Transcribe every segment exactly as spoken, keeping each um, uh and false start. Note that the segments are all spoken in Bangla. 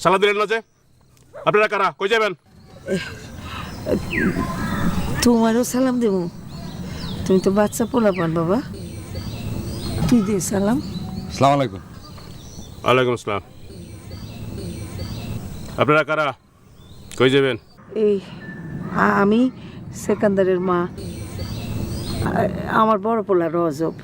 সালা দিলেন না যে? আপনারা কারা, কই যাবেন? তোমারও সালাম দেব। তুমি তো বাচ্চা পোলা পান বাবা, তুই দে সালাম। সালাম আলাইকুম। ওয়ালাইকুম আসসালাম। আপনারা কারা, কই যাবেন? এই আ- আমি সেকান্দারের মা, আ- আমার বড় পোলা রজব।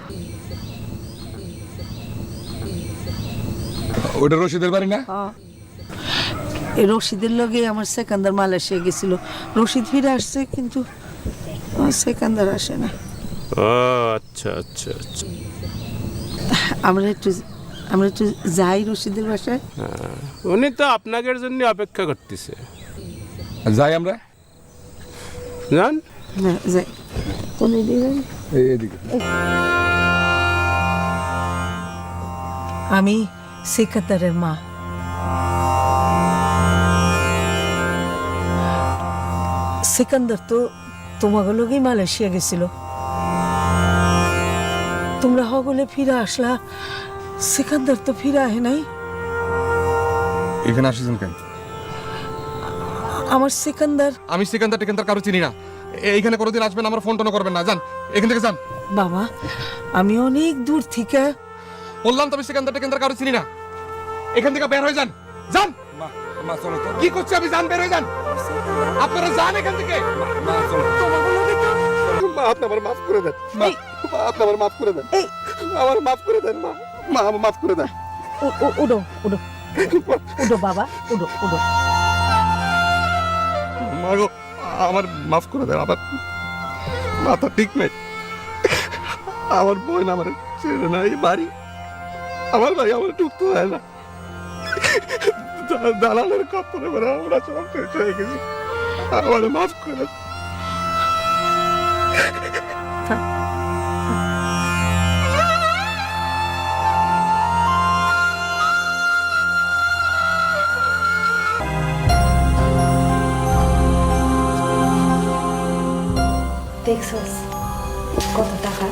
ওটা রশিদের বাড়ি না? এই রশিদের লগে আমার সেকান্দার মালয়েশিয়া গেছিল। রশিদ ফিরে আসছে, কিন্তু আমার সেকান্দার আসে না। ও আচ্ছা আচ্ছা আচ্ছা। আমরা একটু আমরা একটু যাই রশিদের বাসায়। উনি তো আপনাদের জন্য অপেক্ষা করতেছে। যাই আমরা। জান না যাই, কোন দিকে? এই এদিকে। আমি সেকান্দারের মা। সেকান্দার তো তোমাকে লগেই মালয়েশিয়া গেছিল, তোমরা হগলে ফিরে আসলা, সেকান্দার তো ফিরে আহে নাই। এখানে আসিছেন কেন? আমার সেকান্দার। আমি সেকেন্দার টেকেন্দার কারো চিনি না। এইখানে কোনোদিন আসবেন, আমার ফোন টোন করবেন না। যান এখান থেকে যান। বাবা, আমি অনেক দূর থেকে। বললাম তো আমি সেকেন্দার টেকেন্দার কারো চিনি না। এখান থেকে বের হয়ে যান। যান। কি করছে আমি? যান, বের হয়ে যান। আপনারা যান এখান থেকে। মা আপনি আমার মাফ করে দেন। মা আপনি আমার মাফ করে দেন। আমার মাফ করে দেন মা। মা আমার মাফ করে দেন। উডো উডো উডো বাবা, উডো উডো। মা গো, আমার মাফ করে দেন। আমার মাথা ঠিক নেই। আমার বোন আমার ছেড়ে না এই বাড়ি। আমার ভাই আমার ঢুকতে হয় না। দা- দালালের কাপড়ে মানে আমরা সব শেষ হয়ে গেছি। আমার মাফ করে দেন। দেখছস কত টাকা?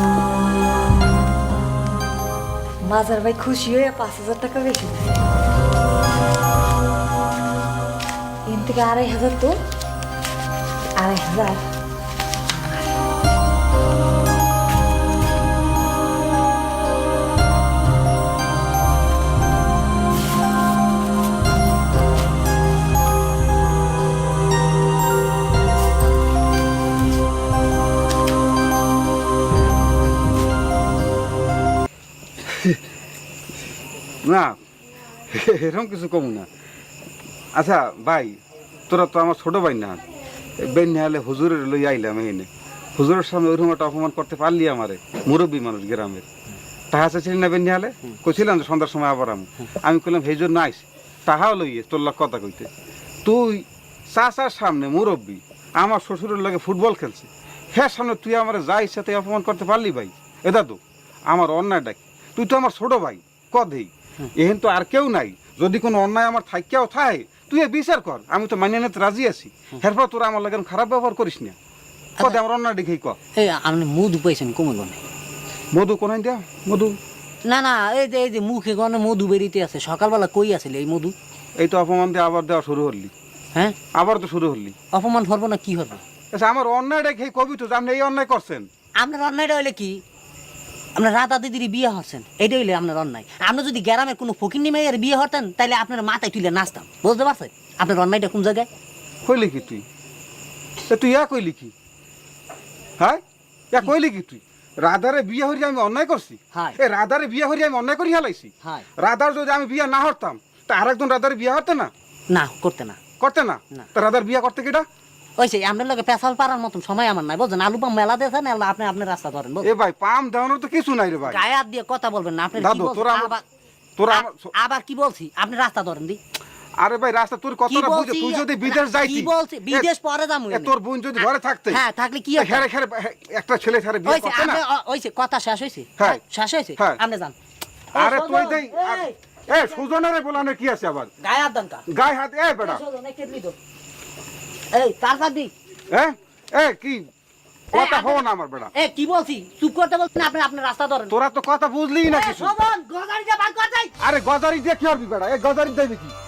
মাজার ভাই খুশি হয়ে পাঁচ হাজার টাকা বেশি দিছে। এর থেকে আড়াই হাজার তো আড়াই হাজার। না এরকম কিছু কম না। আচ্ছা ভাই, তোরা তো আমার ছোট ভাই না। বেন্যা হলে হুজুরের লই আইলাম এনে। হুজুরের সামনে ওইরকম একটা অপমান করতে পারলি আমারে? মুরব্বী মানুষ গ্রামের। টাহা চাইছিলি না বেন্যা হলে? কইছিলাম যে সন্ধ্যার সময় আবার আমি আমি কইলাম সেই জন্য আইস, টাহাও লইয়ে তোর লাগ কথা কইতে। তুই চাচার সামনে মুরব্বী, আমার শ্বশুরের লগে ফুটবল খেলছে, হ্যাঁ সামনে তুই আমার যা ইচ্ছা তাই অপমান করতে পারলি ভাই? এ দাদু আমার অন্যায় ডাকি, তুই তো আমার ছোট ভাই কদেই, এহেন তো আর কেউ নাই। যদি কোনো অন্যায় আমার থাইকেও থাকে তুই এ বিচার কর, আমি তো মানিয়ে নিতে রাজি আছি। এরপর তোরা আমার লাগে খারাপ ব্যবহার করিস না। কদে আমার অন্যায় দেখেই কর। এই আপনি মধু পাইছেন কমে গনে? মধু কোনাই দেয়া মধু? না না, এই যে এই যে মুখে গনে মধু বেরিতে আছে। সকালবেলা কই আছিল এই মধু? এই তো অপমান দিয়ে আবার দেওয়া শুরু হলি। হ্যাঁ আবার তো শুরু হলি। অপমান হবো না কি হবে? আচ্ছা আমার অন্যায় দেখেই কবি তো আপনি এই অন্যায় করছেন। আপনার অন্যায়টা হইলে কি? আপনার রাধা দিদির বিয়ে হচ্ছেন, এটা হইলে আপনার অন্যায়। আপনি যদি গ্রামের কোনো ফকিন্নি মেয়ের বিয়ে হতেন তাহলে আপনার মাথায় তুলে নাচতাম, বুঝতে পারছেন? আপনার অন্যায়টা কোন জায়গায়? কইলি কি তুই? এ তুই ইয়া কইলি কি? হ্যাঁ ইয়া কইলি কি তুই? রাধারে বিয়ে হরি আমি অন্যায় করছি? হ্যাঁ। এ রাধারে বিয়ে হরি আমি অন্যায় করি হেলাইছি? হ্যাঁ। রাধার যদি আমি বিয়ে না হরতাম তা আরেকজন রাধার বিয়ে হতে না? না করতে না। করতে না? না। তা রাধার বিয়ে করতে কিটা? ওই সেই আপনার লোকে পেশাল পাড়ার মতন সময় আমার নাই, বুঝছেন? আলু পাম মেলা দিয়েছেন, আপনি আপনার রাস্তা ধরেন। এ ভাই পাম দেওয়ানোর তো কিছু নাই রে ভাই। গায়ে হাত দিয়ে কথা বলবেন না। আপনি কি দাদু বলছেন? তোরা আমার- আবার তোরা আমার আবার কি বলছি? আপনি রাস্তা ধরেন দি। আরে ভাই রাস্তা তোর কি কথাটা বুঝে বলছি? তুই যদি বিদেশ না, যাইতি। কি বলছি? বিদেশ পরে যামু। এ তোর বোন যদি ঘরে থাকতে। হ্যাঁ থাকলে কি হবে? খেরে খেরে একটা ছেলে খেরে বিয়ে হইছে করতে না? আপনি হইছে কথা শেষ হইছে? হ্যাঁ। শেষ হইছে? হ্যাঁ। আপনি যান। আরে এই তুই শোনো, দেই এই, এ সুজনের বলানো কি আছে আবার? গায়ে হাত দেন কা? গায়ে হাত এ বেটা। এই শোনো, এই কেটলি দাও। এই তার কাট দি। হ্যাঁ এ কি কথা এই, হো না আমার বেটা। এ কি বলছি? চুপ করতে বলছেন, আপনি আপনার রাস্তা ধরেন। তোরা তো কথা বুঝলি না এই কিছু। শোভন, গজারি দিয়ে বাদ কর যাই। আরে গজারি দিয়ে কি করবি বেটা? এ গজারি দেবে কি?